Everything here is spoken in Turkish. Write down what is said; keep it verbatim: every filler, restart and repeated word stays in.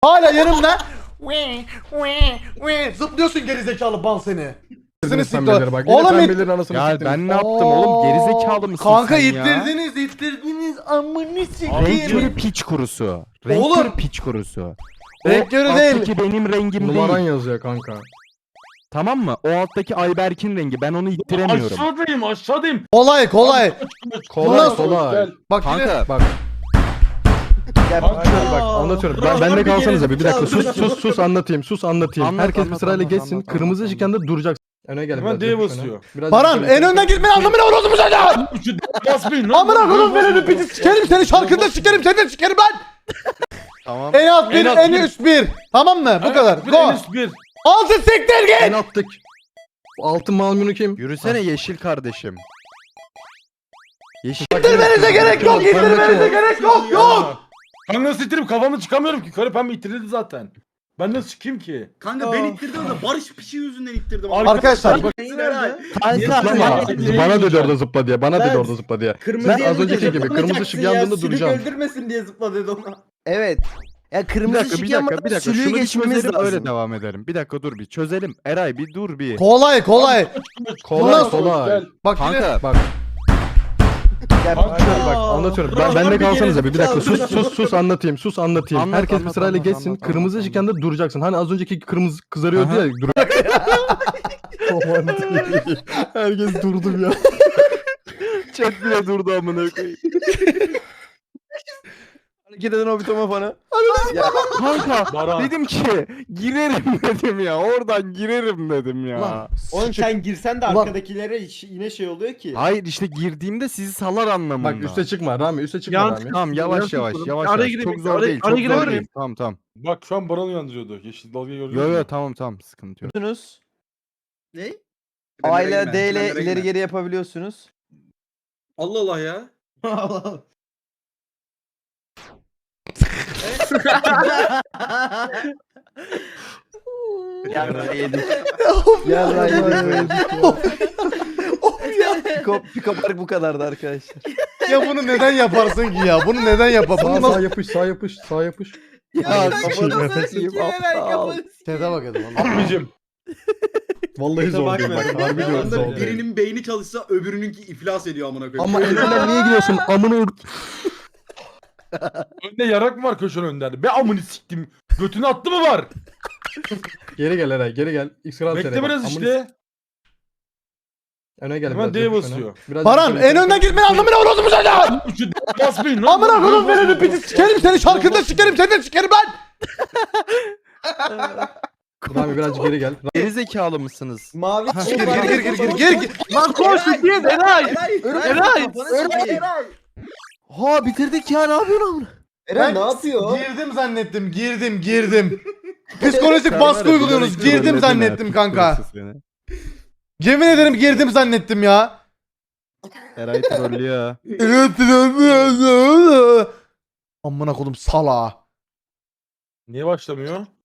Hala yanımda. Zıplıyorsun gerizekalı bal seni. Seni siktir. Bak, Oğlum it- pembelerin anasını Ya siktiniz. ben ne yaptım oğlum? Gerizekalı mısın Kanka sen ya? ittirdiniz ittirdiniz amını Renk sikeyim. körü piç kurusu. Renk Oğlum. körü piç kurusu. Renk körü değil. Alttaki benim rengim Numaran değil. yazıyor kanka. Tamam mı? O alttaki Ayberk'in rengi. Ben onu ittiremiyorum. Aşağıdayım aşağıdayım. Kolay kolay. Kolay Nasıl? kolay. Gel. Bak yine. Kanka Bak. Bak anlatıyorum. Ben bende kalsanız abi bir dakika sus sus sus anlatayım. Sus anlatayım. Anlat, Herkes anlat, bir sırayla anlat, geçsin. anlat, Kırmızı anlat, ışıkken de duracaksın. Öne gel Hemen biraz. D'ye öne. basıyor. Biraz Baran yukarı en gel. önden gitmeyin anlamına orası bu çocuğa. Şu basmayın lan. Amına koyayım beni piti sikerim seni şarkında sikerim seni de sikerim lan. tamam. En alt bir En alt en bir. üst bir. Tamam mı? Bu kadar. Bir Go. en üst bir. Altı siktir En git. attık. Altın malmunu kim? Yürüsene yeşil kardeşim. Yeşil. İttirmenize gerek yok. İttirmenize gerek yok. Yok. Kanka nasıl ittirip kafamı çıkamıyorum ki. Karı pembe ittirildi zaten. Ben nasıl çıkayım ki? Kanka ben ittirdim da Barış Pişi yüzünden ittirdim. Arkadaşlar bak. Zıplama. Bana dedi orada zıpla diye. Bana dedi Ben- orada zıpla diye. Kırmızı Ben az önceki gibi kırmızı ışık yandığında duracağım. öldürmesin diye zıpla dedi ona. Evet. Ya Bir kırmızı dakika ışık bir dakika yanmadan bir dakika. sürüyü Şunu bir geçmemiz çözelim lazım. öyle devam edelim. Bir dakika dur bir çözelim. Eray bir dur bir. Kolay kolay. Kolay Nasıl? kolay. Gel. Bak yine. Kanka Bak. Ya, Anlatıyorum bak anlatıyorum. Ben bende kalsanız abi bir dakika sus sus sus anlatayım. Sus anlatayım. Anlat, Herkes bir anlat, sırayla anlat, geçsin. anlat, Kırmızı anlat, ışıkken de duracaksın. Hani az önceki kırmızı kızarıyordu Aha. ya. Dur. Aman diyeyim. Herkes durdu ya. chat bile durdu amına koyayım. hareket eden o bitoma bana. Kanka Baran. dedim ki girerim dedim ya. Oradan girerim dedim ya. Lan, Oğlum sen girsen de Ulan- arkadakilere iş- yine şey oluyor ki. Hayır işte girdiğimde sizi salar anlamında. Bak üste çıkma Rami üste çıkma Yan- Rami. Tamam yavaş Yansın yavaş oğlum. yavaş Araya yavaş. gireyim, Çok zor araya- değil. araya Çok girebilir zor miyim? değil. Tamam tamam. Bak şu an Baran'ı uyandırıyordu. Yeşil dalgayı gördün Yo mü? yo tamam tamam sıkıntı yok. Yapıyorsunuz. Ne? A ile D ile ileri geri yapabiliyorsunuz. Allah Allah ya. Yarra yedik. Yarra yedik. Piko, Piko Park bu kadardı arkadaşlar. Ya bunu neden yaparsın ki ya? Bunu neden yapar? Sağ Bunu sağ nasıl? yapış sağ yapış sağ yapış. Ya kafanı sikeyim, aptal. Çete bak dedim. Abicim. Vallahi zor değil bak. Harbi diyorum Anda zor değil. birinin beyni çalışsa öbürününki iflas ediyor amına koyayım. Ama en önden niye gidiyorsun? Amına Önde yarak mı var köşenin önünde? Be amını siktim. Götünü attı mı var? Geri gel Eray geri gel. X kral Bekle biraz işte. Öne gel Hemen biraz. D'ye yapış basıyor. öne. Biraz Baran yukarı en gel. önden gitmeyin anlamına orası bu çocuğa. Şu basmayın lan. Amına koyayım beni piti sikerim seni şarkında sikerim seni de sikerim ben. Rami birazcık geri gel. Geri zekalı mısınız? Mavi Gir gir gir gir gir gir gir. Lan koş git Eray. Eray. Ha bitirdik ya ne yapıyorsun amına? Eren ne yapıyor? Girdim zannettim girdim girdim. Psikolojik Server baskı abi, uyguluyorsunuz. bilerek Girdim trolledin zannettim ha, kanka. psikolojisi seni. Yemin ederim girdim zannettim ya. Eray trollüyor. Amına kodum sala. Niye başlamıyor?